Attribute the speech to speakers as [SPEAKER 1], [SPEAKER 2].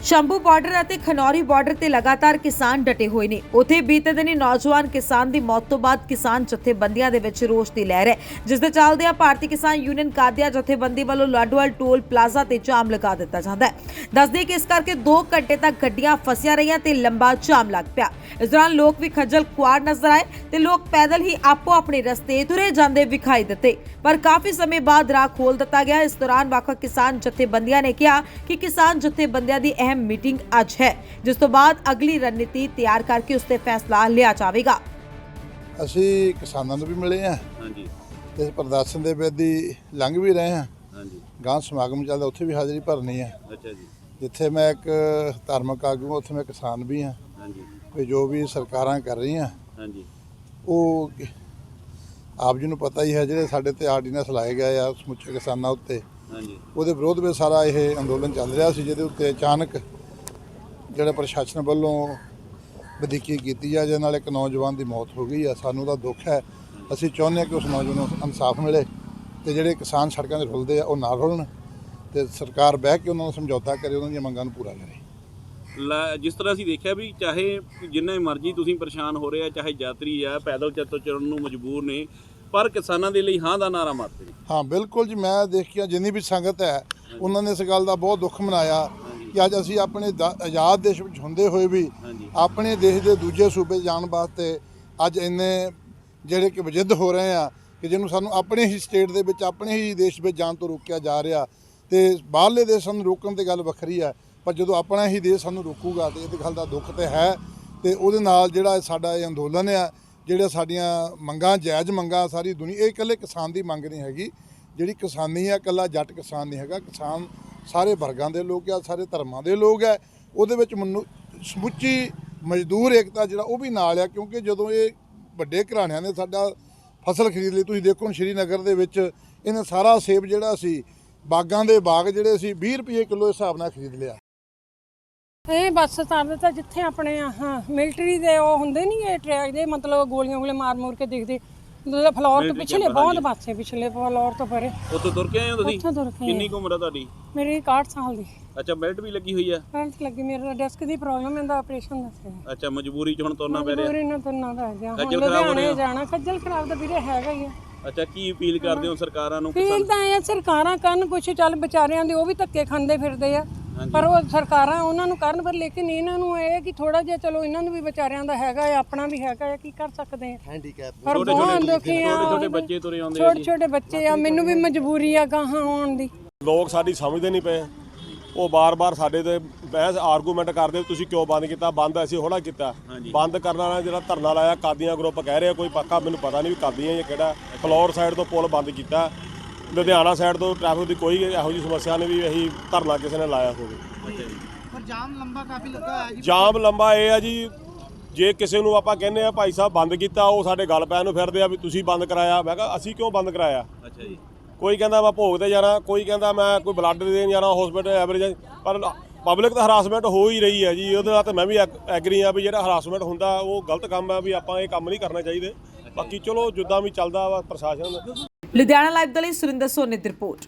[SPEAKER 1] Shambhu border ਅਤੇ Khanauri border ਤੇ ਲਗਾਤਾਰ ਕਿਸਾਨ ਡਟੇ ਹੋਏ ਨੇ। ਉੱਥੇ ਬੀਤੇ ਦਿਨੀ ਨੌਜਵਾਨ ਕਿਸਾਨ ਦੀ ਮੌਤ ਤੋਂ ਬਾਅਦ ਕਿਸਾਨ ਜਥੇਬੰਦੀਆਂ ਦੇ ਵਿੱਚ ਰੋਸ ਦੀ ਲਹਿਰ ਹੈ, ਜਿਸ ਦੇ ਚੱਲਦਿਆਂ ਭਾਰਤੀ ਕਿਸਾਨ ਯੂਨੀਅਨ ਕਾਦੀਆਂ ਜਥੇਬੰਦੀ ਵੱਲੋਂ ਲਾਡੋਵਾਲ ਟੋਲ ਪਲਾਜ਼ਾ ਤੇ ਜਾਮ ਲਗਾ ਦਿੱਤਾ ਜਾਂਦਾ ਹੈ। ਦੱਸਦੇ ਕਿ ਇਸ ਕਰਕੇ 2 ਘੰਟੇ ਤੱਕ ਗੱਡੀਆਂ ਫਸੀਆਂ ਰਹੀਆਂ ਤੇ ਲੰਬਾ ਜਾਮ ਲੱਗ ਪਿਆ। ਇਸ ਦੌਰਾਨ ਲੋਕ ਵੀ ਖੱਜਲ ਖੁਆਰ ਨਜ਼ਰ ਆਏ ਤੇ ਲੋਕ ਪੈਦਲ ਹੀ ਆਪੋ ਆਪਣੇ ਰਸਤੇ ਤੁਰੇ ਜਾਂਦੇ ਵਿਖਾਈ ਦਿੱਤੇ, ਪਰ ਕਾਫੀ ਸਮੇਂ ਬਾਅਦ ਰਾਹ ਖੋਲ ਦਿੱਤਾ ਗਿਆ। ਇਸ ਦੌਰਾਨ ਵੱਖ-ਵੱਖ ਕਿਸਾਨ ਜਥੇਬੰਦੀਆਂ ਨੇ ਕਿਹਾ ਕਿ ਕਿਸਾਨ ਜਥੇਬੰਦੀਆਂ ਦੀ ਅਹਿਮ मीटिंग ਅੱਜ है, जिस तो बाद अगली रणनीति तैयार करके उस ते फैसला लिया जाएगा।
[SPEAKER 2] ਅਸੀਂ ਕਿਸਾਨਾਂ ਨੂੰ ਵੀ ਮਿਲੇ ਆ
[SPEAKER 3] ਹਾਂਜੀ
[SPEAKER 2] ਤੇ ਪ੍ਰਦਰਸ਼ਨ ਦੇ ਵਿੱਚ ਦੀ ਲੰਘ ਵੀ ਰਹੇ ਆ।
[SPEAKER 3] ਹਾਂਜੀ
[SPEAKER 2] ਗਾਂ ਸਮਾਗਮ ਚੱਲਦਾ, ਉੱਥੇ ਵੀ ਹਾਜ਼ਰੀ ਭਰਨੀ ਆ।
[SPEAKER 3] ਅੱਛਾ ਜੀ
[SPEAKER 2] ਜਿੱਥੇ ਮੈਂ ਇੱਕ ਧਾਰਮਿਕ ਆਗੂ, ਉੱਥੇ ਮੈਂ ਕਿਸਾਨ ਵੀ ਆ।
[SPEAKER 3] ਹਾਂਜੀ
[SPEAKER 2] ਵੀ ਜੋ ਵੀ ਸਰਕਾਰਾਂ ਕਰ ਰਹੀਆਂ
[SPEAKER 3] ਹਾਂਜੀ
[SPEAKER 2] ਉਹ ਆਪ ਜੀ ਨੂੰ ਪਤਾ ਹੀ ਹੈ, ਜਿਹੜੇ ਸਾਡੇ ਤੇ ਆਰਡੀਨੈਂਸ ਲਾਏ ਗਏ ਆ ਸਮੁੱਚੇ ਕਿਸਾਨਾਂ ਉੱਤੇ,
[SPEAKER 3] ਹਾਂਜੀ
[SPEAKER 2] ਉਹਦੇ ਵਿਰੋਧ ਵਿੱਚ ਸਾਰਾ ਇਹ ਅੰਦੋਲਨ ਚੱਲ ਰਿਹਾ ਸੀ, ਜਿਹਦੇ ਉੱਤੇ ਅਚਾਨਕ ਜਿਹੜਾ ਪ੍ਰਸ਼ਾਸਨ ਵੱਲੋਂ ਵਧੀਕੀ ਕੀਤੀ ਆ, ਜਿਹਦੇ ਨਾਲ ਇੱਕ ਨੌਜਵਾਨ ਦੀ ਮੌਤ ਹੋ ਗਈ ਆ। ਸਾਨੂੰ ਦਾ ਦੁੱਖ ਹੈ। ਅਸੀਂ ਚਾਹੁੰਦੇ ਹਾਂ ਕਿ ਉਸ ਨੌਜਵਾਨ ਨੂੰ ਇਨਸਾਫ ਮਿਲੇ ਤੇ ਜਿਹੜੇ ਕਿਸਾਨ ਸੜਕਾਂ 'ਤੇ ਰੁਲਦੇ ਆ ਉਹ ਨਾ ਰੁਲਣ ਤੇ ਸਰਕਾਰ ਬਹਿ ਕੇ ਉਹਨਾਂ ਨੂੰ ਸਮਝੌਤਾ ਕਰੇ, ਉਹਨਾਂ ਦੀਆਂ ਮੰਗਾਂ ਨੂੰ ਪੂਰਾ ਕਰੇ।
[SPEAKER 3] ਜਿਸ ਤਰ੍ਹਾਂ ਅਸੀਂ ਦੇਖਿਆ ਵੀ ਚਾਹੇ ਜਿੰਨੇ ਮਰਜ਼ੀ ਤੁਸੀਂ ਪਰੇਸ਼ਾਨ ਹੋ ਰਹੇ ਆ, ਚਾਹੇ ਯਾਤਰੀ ਆ ਪੈਦਲ ਚੱਲਣ ਨੂੰ ਮਜਬੂਰ ਨੇ, ਪਰ ਕਿਸਾਨਾਂ ਦੇ ਲਈ ਹਾਂ ਦਾ ਨਾਰਾ ਮਾਰਦੇ ਨੇ।
[SPEAKER 2] ਹਾਂ ਬਿਲਕੁਲ ਜੀ, ਮੈਂ ਦੇਖਿਆ ਜਿੰਨੀ ਵੀ ਸੰਗਤ ਹੈ ਉਹਨਾਂ ਨੇ ਇਸ ਗੱਲ ਦਾ ਬਹੁਤ ਦੁੱਖ ਮਨਾਇਆ ਕਿ ਅੱਜ ਅਸੀਂ ਆਪਣੇ ਆਜ਼ਾਦ ਦੇਸ਼ ਵਿੱਚ ਹੁੰਦੇ ਹੋਏ ਵੀ ਆਪਣੇ ਦੇਸ਼ ਦੇ ਦੂਜੇ ਸੂਬੇ ਜਾਣ ਵਾਸਤੇ ਅੱਜ ਇੰਨੇ ਜਿਹੜੇ ਕਿ ਵਜਿੱਦ ਹੋ ਰਹੇ ਆ ਕਿ ਜਿਹਨੂੰ ਸਾਨੂੰ ਆਪਣੇ ਹੀ ਸਟੇਟ ਦੇ ਵਿੱਚ, ਆਪਣੇ ਹੀ ਦੇਸ਼ ਵਿੱਚ ਜਾਣ ਤੋਂ ਰੋਕਿਆ ਜਾ ਰਿਹਾ। ਤੇ ਬਾਹਰਲੇ ਦੇਸ਼ਾਂ ਨੂੰ ਰੋਕਣ ਦੀ ਗੱਲ ਵੱਖਰੀ ਆ, ਪਰ ਜਦੋਂ ਆਪਣਾ ਹੀ ਦੇਸ਼ ਸਾਨੂੰ ਰੋਕੂਗਾ ਤੇ ਇਹ ਗੱਲ ਦਾ ਦੁੱਖ ਤੇ ਹੈ। ਤੇ ਉਹਦੇ ਨਾਲ ਜਿਹੜਾ ਸਾਡਾ ਇਹ ਅੰਦੋਲਨ ਆ, ਜਿਹੜੇ ਸਾਡੀਆਂ ਮੰਗਾਂ ਜਾਇਜ਼ ਮੰਗਾਂ, ਸਾਰੀ ਦੁਨੀਆ, ਇਹ ਇਕੱਲੇ ਕਿਸਾਨ ਦੀ ਮੰਗ ਨਹੀਂ ਹੈਗੀ। ਜਿਹੜੀ ਕਿਸਾਨੀ ਆ, ਇਕੱਲਾ ਜੱਟ ਕਿਸਾਨ ਨਹੀਂ ਹੈਗਾ, ਕਿਸਾਨ ਸਾਰੇ ਵਰਗਾਂ ਦੇ ਲੋਕ ਆ, ਸਾਰੇ ਧਰਮਾਂ ਦੇ ਲੋਕ ਆ। ਉਹਦੇ ਵਿੱਚ ਸਮੁੱਚੀ ਮਜ਼ਦੂਰ ਏਕਤਾ ਜਿਹੜਾ ਉਹ ਵੀ ਨਾਲ ਆ, ਕਿਉਂਕਿ ਜਦੋਂ ਇਹ ਵੱਡੇ ਘਰਾਣਿਆਂ ਨੇ ਸਾਡਾ ਫਸਲ ਖਰੀਦ ਲਈ, ਤੁਸੀਂ ਦੇਖੋ ਸ਼੍ਰੀਨਗਰ ਦੇ ਵਿੱਚ ਇਹਨੇ ਸਾਰਾ ਸੇਬ ਜਿਹੜਾ ਸੀ, ਬਾਗਾਂ ਦੇ ਬਾਗ ਜਿਹੜੇ ਸੀ 20 ਰੁਪਏ ਕਿਲੋ ਹਿਸਾਬ ਨਾਲ ਖਰੀਦ ਲਿਆ।
[SPEAKER 4] ਇਹ ਬੱਸ ਸਟੈਂਡ ਤਾਂ ਜਿੱਥੇ ਆਪਣੇ ਮਿਲਟਰੀ ਦੇ ਉਹ ਹੁੰਦੇ ਨਹੀਂ, ਇਹ ਟਰੈਕ ਦੇ ਮਤਲਬ ਗੋਲੀਆਂ ਮਾਰ ਕੇ ਦੇਖਦੇ, ਮਤਲਬ ਫਲੋਰ ਤੋਂ ਪਿਛਲੇ ਬਹੁਤ ਪਾਸੇ, ਪਿਛਲੇ ਫਲੋਰ ਤੋਂ ਪਰੇ।
[SPEAKER 3] ਉੱਥੋਂ ਤੁਰ ਕੇ ਆਏ ਹੋ ਤੁਸੀਂ?
[SPEAKER 4] ਉੱਥੋਂ ਤੁਰ ਕੇ।
[SPEAKER 3] ਕਿੰਨੀ ਕੁ ਉਮਰ ਆ ਤੁਹਾਡੀ?
[SPEAKER 4] ਮੇਰੀ 61 ਸਾਲ ਦੀ।
[SPEAKER 3] ਅੱਛਾ, ਬੈਲਟ ਵੀ ਲੱਗੀ ਹੋਈ ਆ?
[SPEAKER 4] ਬੈਲਟ ਲੱਗੀ, ਮੇਰਾ ਡਿਸਕ ਦੀ ਪ੍ਰੋਬਲਮ ਹੈ, ਦਾ ਆਪਰੇਸ਼ਨ ਦੱਸਿਆ।
[SPEAKER 3] ਅੱਛਾ, ਮਜਬੂਰੀ 'ਚ ਹੁਣ ਤੁਰਨਾ ਪੈ ਰਿਹਾ?
[SPEAKER 4] ਮਜਬੂਰੀ ਨਾਲ ਤੁਰਨਾ ਪੈ ਗਿਆ, ਹੁਣ
[SPEAKER 3] ਖੱਜਲ ਖਰਾਬ ਹੋ ਰਹੇ ਹੋ?
[SPEAKER 4] ਜਾਣਾ ਖੱਜਲ ਖਰਾਬ ਤਾਂ ਵੀਰੇ ਹੈਗਾ ਹੀ ਆ।
[SPEAKER 3] ਅੱਛਾ, ਕੀ ਅਪੀਲ ਕਰਦੇ ਹੋ ਸਰਕਾਰਾਂ ਨੂੰ?
[SPEAKER 4] ਫੀਲ ਤਾਂ ਇਹ ਸਰਕਾਰਾਂ ਕਰਨ ਕੁਛ, ਚੱਲ ਵਿਚਾਰਿਆਂ ਦੇ ਉਹ ਵੀ ਧੱਕੇ ਖਾਂਦੇ ਫਿਰਦੇ ਆ, ਪਰ ਉਹ ਸਰਕਾਰਾਂ ਉਹਨਾਂ ਨੂੰ ਕਰਨ, ਪਰ ਲੇਕਿਨ ਇਹਨਾਂ ਨੂੰ ਇਹ ਕਿ ਥੋੜਾ ਜਿਹਾ ਚਲੋ ਇਹਨਾਂ ਨੂੰ ਵੀ ਵਿਚਾਰਿਆਂ ਦਾ ਹੈਗਾ ਆ, ਆਪਣਾ ਵੀ ਹੈਗਾ ਆ, ਕੀ ਕਰ ਸਕਦੇ ਆ। ਹੈਂਡੀਕੈਪ ਪਰ ਬਹੁਤ ਦੁਖੀ ਆ,
[SPEAKER 3] ਛੋਟੇ ਬੱਚੇ ਤੁਰੇ ਆਉਂਦੇ ਆ,
[SPEAKER 4] ਛੋਟੇ ਬੱਚੇ ਆ, ਮੈਨੂੰ ਵੀ ਮਜਬੂਰੀ ਆ ਗਾਹਾਂ ਆਉਣ ਦੀ।
[SPEAKER 5] ਲੋਕ ਸਾਡੀ ਸਮਝਦੇ ਨਹੀਂ ਪਏ, ਉਹ ਬਾਰ-ਬਾਰ ਸਾਡੇ ਤੇ ਬਹਿਸ ਆਰਗੂਮੈਂਟ ਕਰਦੇ, ਤੁਸੀਂ ਕਿਉਂ ਬੰਦ ਕੀਤਾ? ਬੰਦ ਅਸੀਂ ਹੋਣਾ ਕੀਤਾ, ਬੰਦ ਕਰਨ ਵਾਲਾ ਜਿਹੜਾ ਧਰਨਾ ਲਾਇਆ ਕਾਦੀਆਂ ਗਰੁੱਪ ਕਹਿ ਰਿਹਾ, ਕੋਈ ਪੱਕਾ ਮੈਨੂੰ ਪਤਾ ਨਹੀਂ ਵੀ ਕਾਦੀਆਂ ਜਾਂ ਕਿਹੜਾ। ਫਲੋਰ ਸਾਈਡ ਤੋਂ ਪੁਲ ਬੰਦ ਕੀਤਾ, ਲੁਧਿਆਣਾ ਸਾਈਡ ਤੋਂ ਟ੍ਰੈਫਿਕ ਦੀ ਕੋਈ ਇਹੋ ਜਿਹੀ ਸਮੱਸਿਆ ਨਹੀਂ ਵੀ ਅਸੀਂ ਧਰਨਾ ਕਿਸੇ ਨੇ ਲਾਇਆ ਹੋਵੇ।
[SPEAKER 6] ਪਰ ਜਾਮ ਲੰਬਾ ਕਾਫੀ ਲੱਗਾ ਹੈ ਜੀ।
[SPEAKER 5] ਜਾਮ ਲੰਬਾ ਇਹ ਆ ਜੀ, ਜੇ ਕਿਸੇ ਨੂੰ ਆਪਾਂ ਕਹਿੰਦੇ ਆ ਭਾਈ ਸਾਹਿਬ ਬੰਦ ਕੀਤਾ, ਉਹ ਸਾਡੇ ਗੱਲ ਪੈਣ ਨੂੰ ਫਿਰਦੇ ਆ ਵੀ ਤੁਸੀਂ ਬੰਦ ਕਰਾਇਆ। ਮੈਂ ਕਿਹਾ ਅਸੀਂ ਕਿਉਂ ਬੰਦ ਕਰਾਇਆ?
[SPEAKER 3] ਅੱਛਾ ਜੀ।
[SPEAKER 5] ਕੋਈ ਕਹਿੰਦਾ ਮੈਂ ਭੋਗ ਤੇ ਜਾਣਾ, ਕੋਈ ਕਹਿੰਦਾ ਮੈਂ ਕੋਈ ਬਲੱਡ ਦੇਣ ਜਾਣਾ ਹਸਪੀਟਲ ਐਵਰੇਜ, ਪਰ ਪਬਲਿਕ ਤਾਂ ਹਰਾਸਮੈਂਟ ਹੋ ਹੀ ਰਹੀ ਹੈ ਜੀ। ਉਹਦੇ ਨਾਲ ਤਾਂ ਮੈਂ ਵੀ ਐਗਰੀ ਆ ਵੀ ਜਿਹੜਾ ਹਰਾਸਮੈਂਟ ਹੁੰਦਾ ਉਹ ਗਲਤ ਕੰਮ ਆ, ਵੀ ਆਪਾਂ ਇਹ ਕੰਮ ਨਹੀਂ ਕਰਨਾ ਚਾਹੀਦੇ। ਬਾਕੀ ਚਲੋ ਜਿੱਦਾਂ ਵੀ ਚੱਲਦਾ ਵਾ ਪ੍ਰਸ਼ਾਸਨ।
[SPEAKER 1] ਲੁਧਿਆਣਾ ਲਾਈਵ ਦੇ ਲਈ ਸੁਰਿੰਦਰ ਸੋਨੀ ਦੀ ਰਿਪੋਰਟ।